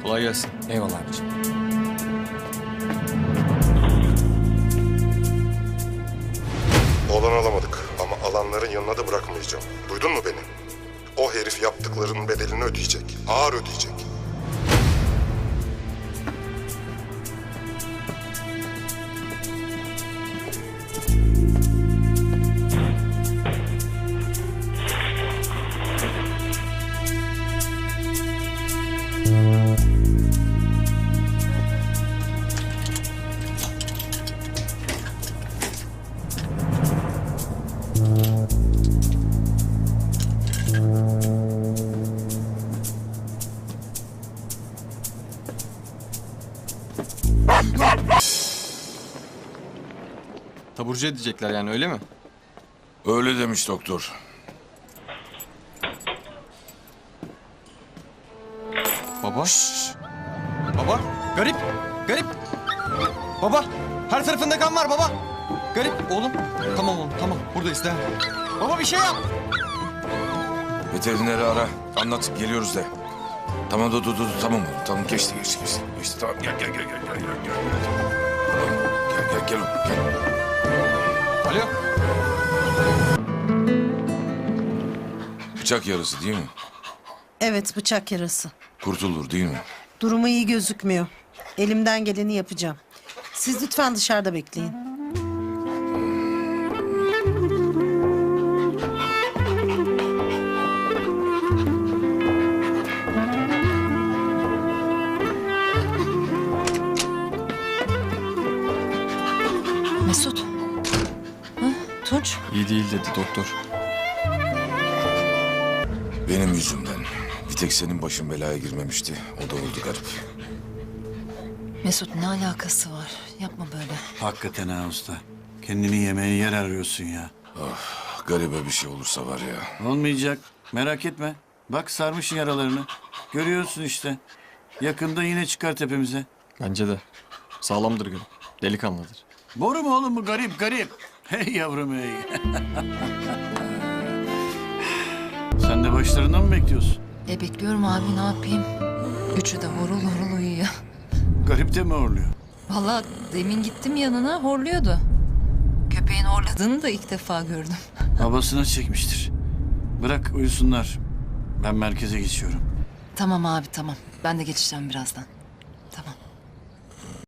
Kolay gelsin. Eyvallah abicim. Oğlanı alamadık ama alanların yanına da bırakmayacağım. Duydun mu beni? O herif yaptıklarının bedelini ödeyecek. Ağır ödeyecek. Taburcu edecekler yani, öyle mi? Öyle demiş doktor. Baba. Baba. Garip. Garip. Baba. Her tarafında kan var baba. Garip oğlum. Tamam oğlum, tamam. Buradayız, devam. Baba bir şey yap. Veterineri ara. Anlat, geliyoruz de. Tamam dur tamam oğlum. Tamam geçti. Geçti tamam gel. Gel oğlum gel. Alo. Bıçak yarası değil mi? Evet, bıçak yarası. Kurtulur değil mi? Durumu iyi gözükmüyor. Elimden geleni yapacağım. Siz lütfen dışarıda bekleyin. Mesut. Hı? Tunç. İyi değil dedi doktor. Benim yüzümden. Bir tek senin başın belaya girmemişti. O da oldu garip. Mesut, ne alakası var? Yapma böyle. Hakikaten ha usta. Kendini yemeğe yer arıyorsun ya. Garibe bir şey olursa var ya. Olmayacak. Merak etme. Bak sarmışsın yaralarını. Görüyorsun işte. Yakında yine çıkar tepemize. Bence de. Sağlamdır garip. Delikanlıdır. Boru mu oğlum bu garip? Hey yavrum hey. Sen de başlarından mı bekliyorsun? Bekliyorum abi, ne yapayım? Üçü de horul horul uyuyor. Garip de mi horluyor? Vallahi demin gittim yanına, horluyordu. Köpeğin horladığını da ilk defa gördüm. Babasına çekmiştir. Bırak uyusunlar. Ben merkeze geçiyorum. Tamam abi, tamam. Ben de geçeceğim birazdan.